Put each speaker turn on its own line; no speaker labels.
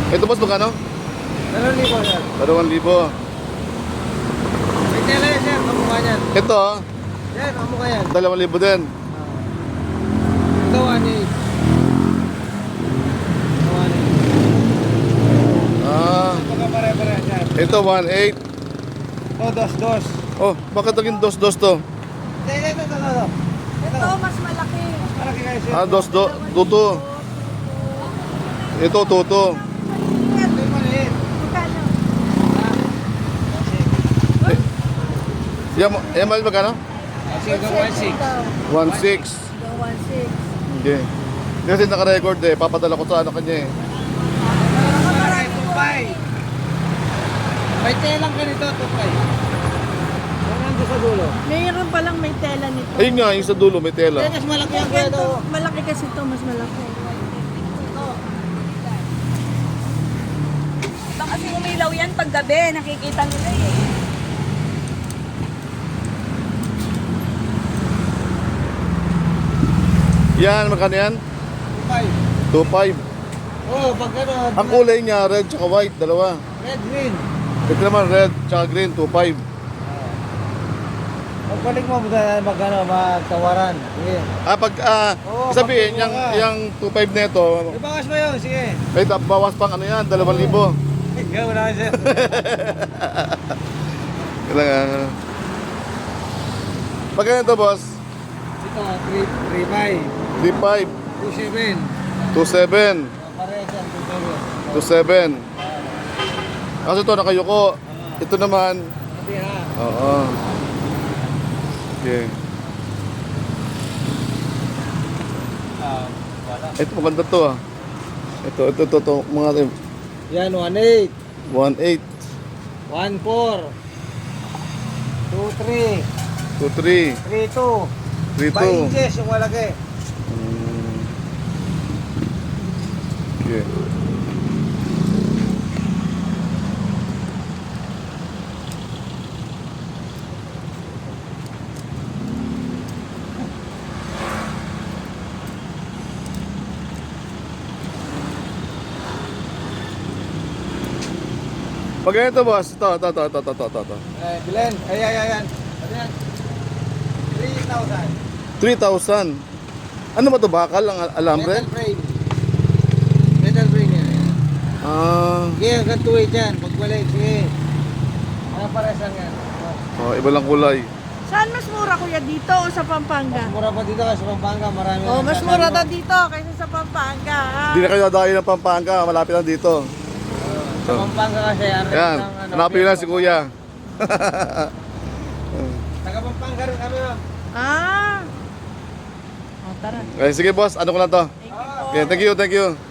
Ito boss, magkano?
2,000 sir.
2,000.
May tela yan sir, kamukha niyan.
Ito,
Yan, kamukha yan.
2,000 din.
Ito 1,800.
Ah,
Pagkapare-pare sir.
ito 1,800.
Oh, dos.
Oh, bakit naging dos to?
Ito.
Ito, mas malaki.
Malaki kayo sir.
Ah, tuto. Ito, tuto.
Ito yung maliit.
Magkano?
Yan, mahal magkano?
Kasi ito 1,600.
1,600.
1,600.
Okay. Kasi naka-record eh, papadala ko sa ano kanya eh.
Malaki, 2,500. May telang ka nito, 2,500. Yan ang sa dulo.
Mayroon palang may tela nito.
Ayun nga, yung sa dulo may tela.
Mas malaki ang kaya
Ito,
ito.
malaki kasi ito, mas malaki.
Baka kasi umilaw yan pag gabi, nakikita nila eh.
Yan, magkano yan?
2,500.
2,500.
Oh, pag ano,
Ang kulay niya, red tsaka white, dalawa.
red, green.
Ito naman, red tsaka green, 2,500.
Pagbalik mo, magtawaran. Sige.
Sabihin,
Oo, pagkukuha
yung,
ka.
yung 2,500 na ito,
Ibangas mo yun, sige.
may bawas pang ano yan, 2,000.
Ikaw na sir.
Kailangan. Pagkano ito, boss?
Ito, 3,500.
3,500,
2,700.
2,700,
Pareha siya, 2,700.
2,700. Kasi ito, nakayuko. Ito naman,
Pati ha.
oo. Okay.
Wala.
Ito, maganda to ah. Ito, mga
Yan, 1,800.
1,800,
1,400. 2,300.
2,300,
3,200.
3,200.
5 inches yung malaki.
Okay. Pag ganito boss, ito.
Bilen. Ayan. Ano yan? 3,000.
3,000. Ano ba to, bakal ang alambre?
Metal frame. Metal frame yan.
Ah,
Sige, hanggang 2,800 yan. Pagbalik, sige. Ano pares lang yan?
oh, iba lang kulay.
Saan mas mura kuya, dito o sa Pampanga?
Mura pa dito kasi Pampanga, marami.
Oh, mas mura daw dito kaysa sa Pampanga.
Hindi na kayo dadayo ng Pampanga, malapit lang dito.
Sa Pampanga kasi, ano
Yan,
ng ano,
hanapin nyo lang si kuya.
Taga Pampanga rin kami, ma'am.
Ah. Oh, tara.
Okay, sige boss, ano ko lang to?
Thank you po.
Okay, thank you.